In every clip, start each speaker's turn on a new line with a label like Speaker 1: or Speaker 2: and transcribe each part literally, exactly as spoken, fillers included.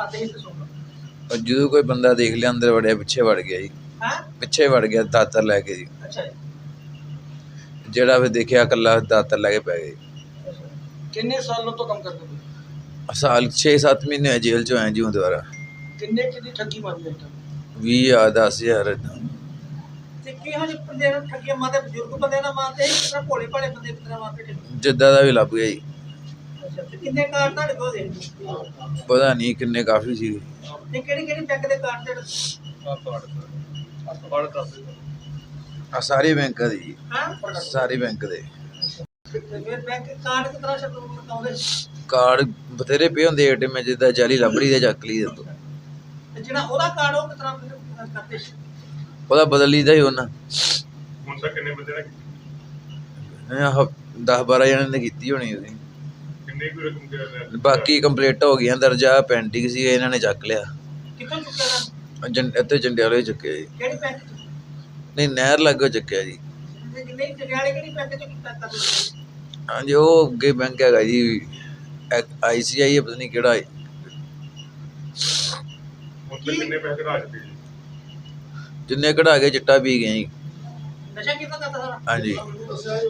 Speaker 1: ਕਰਦੇ ਸੀ ਦੱਸੋ।
Speaker 2: ਜਦੋਂ ਕੋਈ ਬੰਦਾ ਦੇਖ ਲਿਆ ਅੰਦਰ ਵੜਿਆ ਪਿੱਛੇ ਵੜ ਗਿਆ ਜੀ।
Speaker 1: ਹਾਂ
Speaker 2: ਪਿੱਛੇ ਵੜ ਗਿਆ ਦਾਤਰ ਲੈ ਕੇ ਜੀ।
Speaker 1: ਅੱਛਾ ਜੀ।
Speaker 2: ਜਿਹੜਾ ਫਿਰ ਦੇਖਿਆ ਇਕੱਲਾ ਦਾਤਰ ਲੈ ਕੇ ਪੈ ਗਏ।
Speaker 1: ਕਿੰਨੇ ਸਾਲੋਂ ਤੋਂ ਕੰਮ ਕਰਦੇ ਹੋ?
Speaker 2: ਸਾਲ ਛੇ ਸੱਤ ਮਹੀਨੇ ਹੋਏ ਜੇਲ੍ਹ ਚੋਂ ਆਏ ਜੀ ਹੁਣ ਦੁਬਾਰਾ।
Speaker 1: ਕਿੰਨੇ ਚ ਦੀ ਠੱਗੀ ਮਾਰੀ ਹੈ?
Speaker 2: ਵੀਹ ਹਜ਼ਾਰ ਦਸ ਹਜ਼ਾਰ ਏਦਾਂ।
Speaker 1: ਤੇ ਕਿਹੋ ਜਿਹੇ ਬੰਦੇ ਨੂੰ ਠੱਗੀਆਂ ਮਾਰਦੇ? ਬਜ਼ੁਰਗ ਬੰਦੇ ਨਾਲ ਮਾਰਦੇ ਸੀ ਕਿਸ ਤਰ੍ਹਾਂ ਭੋਲੇ ਭਾਲੇ ਬੰਦੇ ਕਿਸ ਤਰ੍ਹਾਂ ਮਾਰਦੇ?
Speaker 2: ਜਿੱਦਾਂ ਦਾ ਵੀ ਲੱਭ ਗਿਆ ਜੀ।
Speaker 1: ਅੱਛਾ ਤੇ ਕਿੰਨੇ ਕਾਰਡ ਤੁਹਾਡੇ ਕੋਲ ਦੇ?
Speaker 2: ਪਤਾ ਨਹੀਂ ਕਿੰਨੇ, ਕਾਫੀ ਸੀ।
Speaker 1: ਤੇ ਕਿਹੜੀ ਕਿਹੜੀ ਬੈਂਕ ਦੇ ਕਾਰਡ ਤੇ?
Speaker 2: ਆ ਸਾਰੇ ਬੈਂਕਾਂ ਦੇ ਜੀ।
Speaker 1: ਹਾਂ
Speaker 2: ਸਾਰੇ ਬੈਂਕ ਦੇ
Speaker 1: ਫਿਰ ਬੈਂਕ ਕਾਰਡ ਕਿਸ ਤਰ੍ਹਾਂ ਸ਼ਬਦ ਬਤਾਉਂਦੇ?
Speaker 2: ਕਾਰਡ ਬਥੇਰੇ ਪਏ ਹੁੰਦੇ ਏ ਟੀ ਐਮ ਜਿੱਦਾਂ ਜਾਲੀ ਲੱਭ ਲਈ ਤੇ ਚੱਕ ਲਈ ਦੇ ਤੋਂ।
Speaker 1: ਤੇ ਜਿਹੜਾ ਉਹਦਾ ਕਾਰਡ ਉਹ ਕਿਸ ਤਰ੍ਹਾਂ ਕਰਦੇ ਸੀ?
Speaker 2: ਉਹਦਾ ਬਦਲ ਲਈਦਾ ਹੀ ਉਹਨਾਂ।
Speaker 3: ਹੁਣ ਤੱਕ ਕਿੰਨੇ ਬੰਦੇ ਨੇ ਕੀਤੀ?
Speaker 2: ਦਸ ਬਾਰਾਂ ਜਣੇ ਨੇ ਕੀਤੀ ਹੋਣੀ ਉਹਦੀ।
Speaker 3: ਕਿੰਨੇ ਕੁ ਰਕਮ ਦੇ?
Speaker 2: ਬਾਕੀ ਕੰਪਲੀਟ ਹੋ ਗਈਆਂ ਦਰਜਾ, ਪੈਂਟਿੰਗ ਸੀ ਇਹਨਾਂ ਨੇ ਚੱਕ ਲਿਆ।
Speaker 1: ਕਿੱਥੋਂ ਚੁੱਕਿਆ?
Speaker 2: ਜੰ ਇੱਥੇ ਜੰਡਿਆਲੇ ਚੁੱਕਿਆ ਜੀ।
Speaker 1: ਕਿਹੜੀ ਬੈਂਕ ਚ?
Speaker 2: ਨਹੀਂ ਨਹਿਰ ਲਾਗੋਂ ਚੁੱਕਿਆ ਜੀ।
Speaker 1: ਨਹੀਂ ਜੰਡਿਆਲੇ ਕਿਹੜੀ ਬੈਂਕ ਚ ਕੀਤਾ ਕਰਦੇ?
Speaker 2: ਹਾਂਜੀ ਉਹ ਅੱਗੇ ਬੈਂਕ ਹੈਗਾ ਜੀ, ਆਈ ਸੀ ਆਈ ਪਤਾ ਨਹੀਂ ਕਿਹੜਾ।
Speaker 3: ਹੁਣ ਤੱਕ ਕਿੰਨੇ ਪੈਸੇ ਕਢਾ ਚੁੱਕੇ ਜੀ?
Speaker 2: ਜਿੰਨੇ ਕਢਾ ਕੇ ਚਿੱਟਾ ਪੀ ਗਏ ਜੀ।
Speaker 1: ਨਸ਼ਾ ਕਿੱਦਾਂ ਕਰਦਾ ਸਾਰਾ?
Speaker 2: ਹਾਂਜੀ
Speaker 3: ਕਿੰਨੇ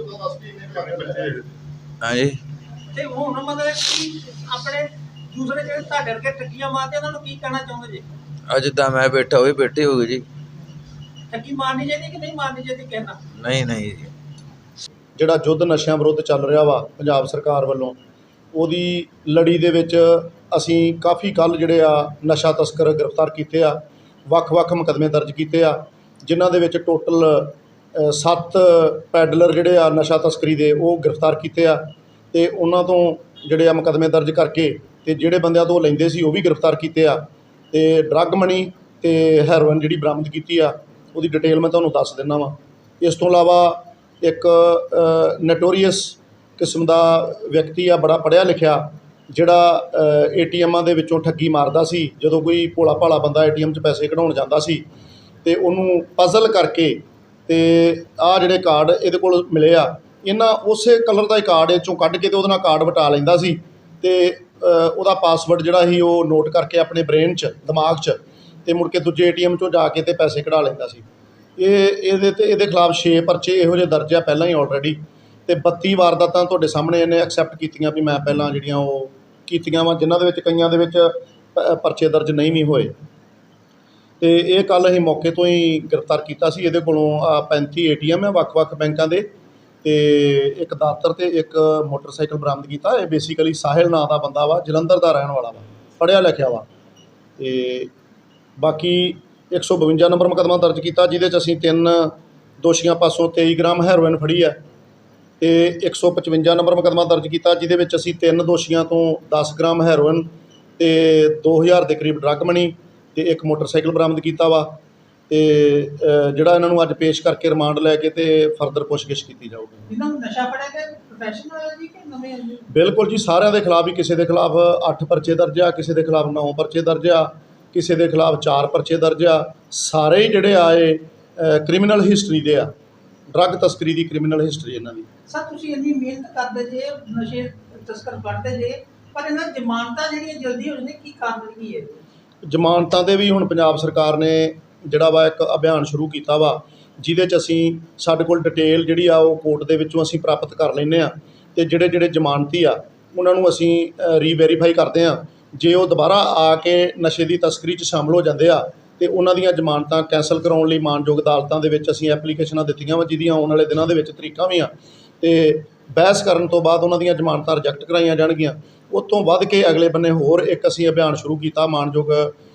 Speaker 3: ਬੱਚੇ ਹੈਗੇ?
Speaker 2: ਹਾਂਜੀ
Speaker 1: ਤੇ ਹੁਣ ਮਤਲਬ ਕਿ ਆਪਣੇ ਦੂਸਰੇ ਜਿਹੜੇ ਤੁਹਾਡੇ ਵਰਗੇ ਠੱਗੀਆਂ ਮਾਰਦੇ ਉਹਨਾਂ ਨੂੰ ਕੀ ਕਹਿਣਾ ਚਾਹੁੰਦੇ ਜੀ?
Speaker 2: ਅੱਜ ਜਿੱਦਾਂ ਮੈਂ ਬੈਠਾ ਉਹ ਵੀ ਬੈਠੇ ਹੋ ਗਏ ਜੀ।
Speaker 1: ਠੱਗੀ ਮਾਰਨੀ ਚਾਹੀਦੀ ਕਿ ਨਹੀਂ ਮਾਰਨੀ ਚਾਹੀਦੀ ਕਹਿਣਾ?
Speaker 2: ਨਹੀਂ ਨਹੀਂ ਜੀ।
Speaker 4: ਜਿਹੜਾ ਯੁੱਧ ਨਸ਼ਿਆਂ ਵਿਰੁੱਧ ਚੱਲ ਰਿਹਾ ਵਾ ਪੰਜਾਬ ਸਰਕਾਰ ਵੱਲੋਂ, ਉਹਦੀ ਲੜੀ ਦੇ ਵਿੱਚ ਅਸੀਂ ਕਾਫੀ ਕੱਲ੍ਹ ਜਿਹੜੇ ਆ ਨਸ਼ਾ ਤਸਕਰ ਗ੍ਰਿਫਤਾਰ ਕੀਤੇ ਆ। ਵੱਖ-ਵੱਖ ਮੁਕੱਦਮੇ ਦਰਜ ਕੀਤੇ ਆ, ਜਿਨ੍ਹਾਂ ਦੇ ਵਿੱਚ ਟੋਟਲ ਸੱਤ ਪੈਡਲਰ ਜਿਹੜੇ ਆ ਨਸ਼ਾ ਤਸਕਰੀ ਦੇ ਉਹ ਗ੍ਰਿਫਤਾਰ ਕੀਤੇ ਆ। ਅਤੇ ਉਹਨਾਂ ਤੋਂ ਜਿਹੜੇ ਆ ਮੁਕੱਦਮੇ ਦਰਜ ਕਰਕੇ ਅਤੇ ਜਿਹੜੇ ਬੰਦਿਆਂ ਤੋਂ ਲੈਂਦੇ ਸੀ ਉਹ ਵੀ ਗ੍ਰਿਫਤਾਰ ਕੀਤੇ ਆ। ਅਤੇ ਡਰੱਗ ਮਨੀ ਅਤੇ ਹੈਰੋਇਨ ਜਿਹੜੀ ਬਰਾਮਦ ਕੀਤੀ ਆ ਉਹਦੀ ਡਿਟੇਲ ਮੈਂ ਤੁਹਾਨੂੰ ਦੱਸ ਦਿੰਦਾ ਵਾਂ। ਇਸ ਤੋਂ ਇਲਾਵਾ ਇੱਕ ਨਟੋਰੀਅਸ ਕਿਸਮ ਦਾ ਵਿਅਕਤੀ ਆ, ਬੜਾ ਪੜ੍ਹਿਆ ਲਿਖਿਆ, ਜਿਹੜਾ ਏ ਟੀ ਐਮਾਂ ਦੇ ਵਿੱਚੋਂ ਠੱਗੀ ਮਾਰਦਾ ਸੀ। ਜਦੋਂ ਕੋਈ ਭੋਲਾ ਭਾਲਾ ਬੰਦਾ ਏ ਟੀ ਐਮ 'ਚ ਪੈਸੇ ਕਢਾਉਣ ਜਾਂਦਾ ਸੀ ਅਤੇ ਉਹਨੂੰ ਪਜ਼ਲ ਕਰਕੇ ਅਤੇ ਆਹ ਜਿਹੜੇ ਕਾਰਡ ਇਹਦੇ ਕੋਲ ਮਿਲੇ ਆ, ਇਹਨਾਂ ਉਸੇ ਕਲਰ ਦਾ ਹੀ ਕਾਰਡ ਇਹ 'ਚੋਂ ਕੱਢ ਕੇ ਅਤੇ ਉਹਦੇ ਨਾਲ ਕਾਰਡ ਵਟਾ ਲੈਂਦਾ ਸੀ ਅਤੇ ਉਹਦਾ ਪਾਸਵਰਡ ਜਿਹੜਾ ਸੀ ਉਹ ਨੋਟ ਕਰਕੇ ਆਪਣੇ ਬ੍ਰੇਨ 'ਚ, ਦਿਮਾਗ 'ਚ, ਅਤੇ ਮੁੜ ਕੇ ਦੂਜੇ ਏ ਟੀ ਐਮ 'ਚੋਂ ਜਾ ਕੇ ਅਤੇ ਪੈਸੇ ਕਢਾ ਲੈਂਦਾ ਸੀ। ਇਹ ਇਹਦੇ 'ਤੇ ਇਹਦੇ ਖਿਲਾਫ ਛੇ ਪਰਚੇ ਇਹੋ ਜਿਹੇ ਦਰਜ ਆ ਪਹਿਲਾਂ ਹੀ ਆਲਰੇਡੀ, ਅਤੇ ਬੱਤੀ ਵਾਰਦਾਤਾਂ ਤੁਹਾਡੇ ਸਾਹਮਣੇ ਇਹਨੇ ਐਕਸੈਪਟ ਕੀਤੀਆਂ ਵੀ ਮੈਂ ਪਹਿਲਾਂ ਜਿਹੜੀਆਂ ਉਹ ਕੀਤੀਆਂ ਵਾ, ਜਿਨ੍ਹਾਂ ਦੇ ਵਿੱਚ ਕਈਆਂ ਦੇ ਵਿੱਚ ਪਰਚੇ ਦਰਜ ਨਹੀਂ ਵੀ ਹੋਏ। ਅਤੇ ਇਹ ਕੱਲ੍ਹ ਅਸੀਂ ਮੌਕੇ ਤੋਂ ਹੀ ਗ੍ਰਿਫਤਾਰ ਕੀਤਾ ਸੀ। ਇਹਦੇ ਕੋਲੋਂ ਆ ਪੈਂਤੀ ਏ ਟੀ ਐਮ ਹੈ ਵੱਖ-ਵੱਖ ਬੈਂਕਾਂ ਦੇ, ਅਤੇ ਇੱਕ ਦਾਤਰ ਅਤੇ ਇੱਕ ਮੋਟਰਸਾਈਕਲ ਬਰਾਮਦ ਕੀਤਾ। ਇਹ ਬੇਸਿਕਲੀ ਸਾਹਿਲ ਨਾਂ ਦਾ ਬੰਦਾ ਵਾ, ਜਲੰਧਰ ਦਾ ਰਹਿਣ ਵਾਲਾ ਵਾ, ਪੜ੍ਹਿਆ ਲਿਖਿਆ ਵਾ। ਅਤੇ ਬਾਕੀ ਇੱਕ ਸੌ ਬਵੰਜਾ ਨੰਬਰ ਮੁਕੱਦਮਾ ਦਰਜ ਕੀਤਾ, ਜਿਹਦੇ 'ਚ ਅਸੀਂ ਤਿੰਨ ਦੋਸ਼ੀਆਂ ਪਾਸੋਂ ਤੇਈ ਗ੍ਰਾਮ ਹੈਰੋਇਨ ਫੜੀ ਹੈ। ਅਤੇ ਇੱਕ ਸੌ ਪਚਵੰਜਾ ਨੰਬਰ ਮੁਕੱਦਮਾ ਦਰਜ ਕੀਤਾ, ਜਿਹਦੇ ਵਿੱਚ ਅਸੀਂ ਤਿੰਨ ਦੋਸ਼ੀਆਂ ਤੋਂ ਦਸ ਗ੍ਰਾਮ ਹੈਰੋਇਨ ਅਤੇ ਦੋ ਹਜ਼ਾਰ ਦੇ ਕਰੀਬ ਡਰੱਗ ਮਨੀ ਅਤੇ ਇੱਕ ਮੋਟਰਸਾਈਕਲ ਬਰਾਮਦ ਕੀਤਾ ਵਾ। ਅਤੇ ਜਿਹੜਾ ਇਹਨਾਂ ਨੂੰ ਅੱਜ ਪੇਸ਼ ਕਰਕੇ ਰਿਮਾਂਡ ਲੈ ਕੇ ਅਤੇ ਫਰਦਰ ਪੁੱਛਗਿੱਛ ਕੀਤੀ ਜਾਊਗੀ।
Speaker 1: ਇਹਨਾਂ ਨੂੰ ਨਸ਼ਾ ਫੜਿਆ ਕਿ ਪ੍ਰੋਫੈਸ਼ਨਲ ਹੈ ਜੀ ਕਿ ਨਵੇਂ?
Speaker 4: ਬਿਲਕੁਲ ਜੀ, ਸਾਰਿਆਂ ਦੇ ਖਿਲਾਫ ਹੀ। ਕਿਸੇ ਦੇ ਖਿਲਾਫ ਅੱਠ ਪਰਚੇ ਦਰਜ ਆ, ਕਿਸੇ ਦੇ ਖਿਲਾਫ ਨੌ ਪਰਚੇ ਦਰਜ ਆ, ਕਿਸੇ ਦੇ ਖਿਲਾਫ ਚਾਰ ਪਰਚੇ ਦਰਜ ਆ। ਸਾਰੇ ਹੀ ਜਿਹੜੇ ਆ ਇਹ ਕ੍ਰਿਮੀਨਲ ਹਿਸਟਰੀ ਦੇ ਆ, ਡਰੱਗ ਤਸਕਰੀ ਦੀ ਕ੍ਰਿਮੀਨਲ ਹਿਸਟਰੀ ਇਹਨਾਂ ਦੀ।
Speaker 1: ਸਰ ਤੁਸੀਂ ਇੰਨੀ ਮਿਹਨਤ ਕਰਦੇ ਜੇ, ਨਸ਼ੇ ਤਸਕਰ ਫੜਦੇ ਜੇ, ਪਰ ਇਹਨਾਂ ਜ਼ਮਾਨਤਾਂ ਜਿਹੜੀਆਂ ਜਲਦੀ ਹੋ ਜਾਂਦੀਆਂ, ਕੀ ਕਾਰਨ ਕੀ ਹੈ?
Speaker 4: ਜ਼ਮਾਨਤਾਂ 'ਤੇ ਵੀ ਹੁਣ ਪੰਜਾਬ ਸਰਕਾਰ ਨੇ ਜਿਹੜਾ ਵਾ ਇੱਕ ਅਭਿਆਨ ਸ਼ੁਰੂ ਕੀਤਾ ਵਾ, ਜਿਹਦੇ 'ਚ ਅਸੀਂ ਸਾਡੇ ਕੋਲ ਡਿਟੇਲ ਜਿਹੜੀ ਆ ਉਹ ਕੋਰਟ ਦੇ ਵਿੱਚੋਂ ਅਸੀਂ ਪ੍ਰਾਪਤ ਕਰ ਲੈਂਦੇ ਹਾਂ, ਅਤੇ ਜਿਹੜੇ ਜਿਹੜੇ ਜ਼ਮਾਨਤੀ ਆ ਉਹਨਾਂ ਨੂੰ ਅਸੀਂ ਰੀਵੈਰੀਫਾਈ ਕਰਦੇ ਹਾਂ। ਜੇ ਉਹ ਦੁਬਾਰਾ ਆ ਕੇ ਨਸ਼ੇ ਦੀ ਤਸਕਰੀ 'ਚ ਸ਼ਾਮਲ ਹੋ ਜਾਂਦੇ ਆ ਅਤੇ ਉਹਨਾਂ ਦੀਆਂ ਜ਼ਮਾਨਤਾਂ ਕੈਂਸਲ ਕਰਾਉਣ ਲਈ ਮਾਣਯੋਗ ਅਦਾਲਤਾਂ ਦੇ ਵਿੱਚ ਅਸੀਂ ਐਪਲੀਕੇਸ਼ਨਾਂ ਦਿੱਤੀਆਂ ਵਾ, ਜਿਹਦੀਆਂ ਆਉਣ ਵਾਲੇ ਦਿਨਾਂ ਦੇ ਵਿੱਚ ਤਰੀਕਾਂ ਵੀ ਆ। ਅਤੇ ਬਹਿਸ ਕਰਨ ਤੋਂ ਬਾਅਦ ਉਹਨਾਂ ਦੀਆਂ ਜ਼ਮਾਨਤਾਂ ਰਿਜੈਕਟ ਕਰਾਈਆਂ ਜਾਣਗੀਆਂ। ਉਹ ਤੋਂ ਵੱਧ ਕੇ ਅਗਲੇ ਬੰਨੇ ਹੋਰ ਇੱਕ ਅਸੀਂ ਅਭਿਆਨ ਸ਼ੁਰੂ ਕੀਤਾ ਮਾਣਯੋਗ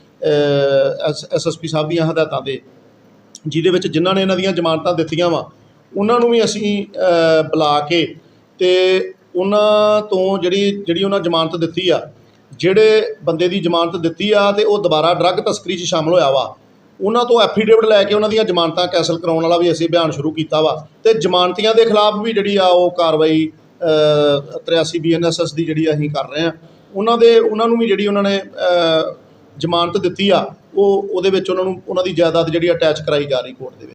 Speaker 4: ਐਸ ਐਸ ਐਸ ਪੀ ਸਾਹਿਬ ਦੀਆਂ ਹਦਾਇਤਾਂ 'ਤੇ, ਜਿਹਦੇ ਵਿੱਚ ਜਿਨ੍ਹਾਂ ਨੇ ਇਹਨਾਂ ਦੀਆਂ ਜ਼ਮਾਨਤਾਂ ਦਿੱਤੀਆਂ ਵਾ ਉਹਨਾਂ ਨੂੰ ਵੀ ਅਸੀਂ ਬੁਲਾ ਕੇ ਅਤੇ ਉਹਨਾਂ ਤੋਂ ਜਿਹੜੀ ਜਿਹੜੀ ਉਹਨਾਂ ਜ਼ਮਾਨਤ ਦਿੱਤੀ ਆ, ਜਿਹੜੇ ਬੰਦੇ ਦੀ ਜ਼ਮਾਨਤ ਦਿੱਤੀ ਆ ਅਤੇ ਉਹ ਦੁਬਾਰਾ ਡਰੱਗ ਤਸਕਰੀ 'ਚ ਸ਼ਾਮਲ ਹੋਇਆ ਵਾ, ਉਹਨਾਂ ਤੋਂ ਐਫੀਡੇਵਿਟ ਲੈ ਕੇ ਉਹਨਾਂ ਦੀਆਂ ਜ਼ਮਾਨਤਾਂ ਕੈਂਸਲ ਕਰਾਉਣ ਵਾਲਾ ਵੀ ਅਸੀਂ ਅਭਿਆਨ ਸ਼ੁਰੂ ਕੀਤਾ ਵਾ। ਅਤੇ ਜ਼ਮਾਨਤੀਆਂ ਦੇ ਖਿਲਾਫ ਵੀ ਜਿਹੜੀ ਆ ਉਹ ਕਾਰਵਾਈ ਤਰਿਆਸੀ ਬੀ ਐਨ ਐਸ ਐਸ ਦੀ ਜਿਹੜੀ ਅਸੀਂ ਕਰ ਰਹੇ ਹਾਂ। ਉਹਨਾਂ ਦੇ ਉਹਨਾਂ ਨੂੰ ਵੀ ਜਿਹੜੀ ਉਹਨਾਂ ਨੇ ਜ਼ਮਾਨਤ ਦਿੱਤੀ ਆ ਉਹ ਉਹਦੇ ਵਿੱਚ ਉਹਨਾਂ ਨੂੰ ਉਹਨਾਂ ਦੀ ਜਾਇਦਾਦ ਜਿਹੜੀ ਅਟੈਚ ਕਰਾਈ ਜਾ ਰਹੀ ਕੋਰਟ ਦੇ ਵਿੱਚ।